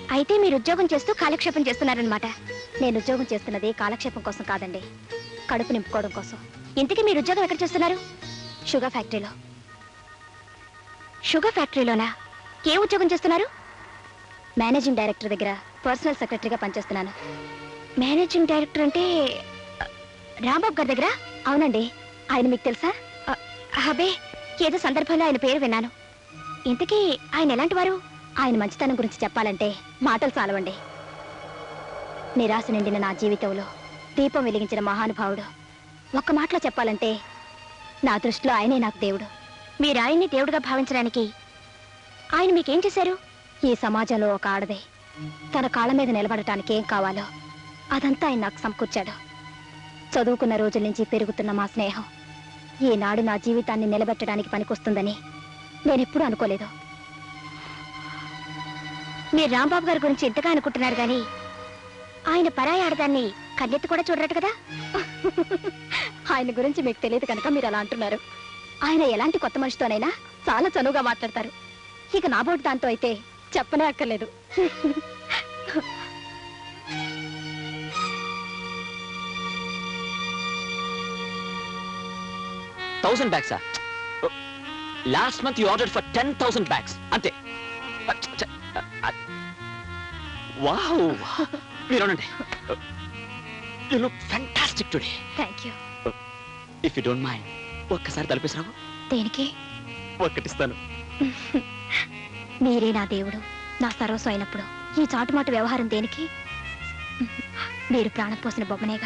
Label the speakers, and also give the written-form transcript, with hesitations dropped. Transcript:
Speaker 1: అయితే మీరు ఉద్యోగం చేస్తూ కాలక్షేపం చేస్తున్నారనమాట. నేను ఉద్యోగం చేస్తున్నది కాలక్షేపం కోసం కాదండి, కడుపు నింపుకోవడం కోసం. ఇంతకీ మీరు ఉద్యోగం ఎక్కడ చేస్తున్నారు? షుగర్ ఫ్యాక్టరీలో. షుగర్ ఫ్యాక్టరీలోనా? ఏ ఉద్యోగం చేస్తున్నారు? మేనేజింగ్ డైరెక్టర్ దగ్గర పర్సనల్ సెక్రటరీగా పనిచేస్తున్నాను. మేనేజింగ్ డైరెక్టర్ అంటే రాంబాబు గారి దగ్గర? అవునండి. ఆయన మీకు తెలుసా? అబే, ఏదో సందర్భంలో ఆయన పేరు విన్నాను. ఇంతకీ ఆయన ఎలాంటి వారు? ఆయన మంచితనం గురించి చెప్పాలంటే మాటలు చాలవండి. నిరాశ నిండిన నా జీవితంలో దీపం వెలిగించిన మహానుభావుడు. ఒక్క మాటలో చెప్పాలంటే నా దృష్టిలో ఆయనే నాకు దేవుడు. మీరు ఆయన్ని దేవుడిగా భావించడానికి ఆయన మీకేం చేశారు? ఈ సమాజంలో ఒక ఆడదే తన కాళ్ళ మీద నిలబడటానికి ఏం కావాలో అదంతా ఆయన నాకు సమకూర్చాడు. చదువుకున్న రోజుల నుంచి పెరుగుతున్న మా స్నేహం ఈనాడు నా జీవితాన్ని నిలబెట్టడానికి పనికొస్తుందని నేనెప్పుడూ అనుకోలేదు. మీరు రాంబాబు గారి గురించి ఇంతగా అనుకుంటున్నారు కానీ ఆయన పరాయి ఆడదాన్ని కన్నెత్తి కూడా చూడరట కదా. ఆయన గురించి మీకు తెలియదు కనుక మీరు అలా అంటున్నారు. ఆయన ఎలాంటి కొత్త మనిషితోనైనా చాలా చనువుగా మాట్లాడతారు. ఇక నాబోటి దాంతో అయితే చెప్పనే అక్కర్లేదు.
Speaker 2: 1000 bags. Last month you ordered for 10,000 bags. Ante. Wow. You look fantastic today.
Speaker 1: Thank you.
Speaker 2: If you don't mind, ఒక్కసారి తలపేసిరావు.
Speaker 1: దేనికి?
Speaker 2: ఒక్కటిస్తాను.
Speaker 1: మీరే నా దేవుడు, నా సర్వస్వం అయినప్పుడు ఈ చాటుమాటు వ్యవహారం దేనికి? మీరు ప్రాణం పోసిన బొమ్మనేగా.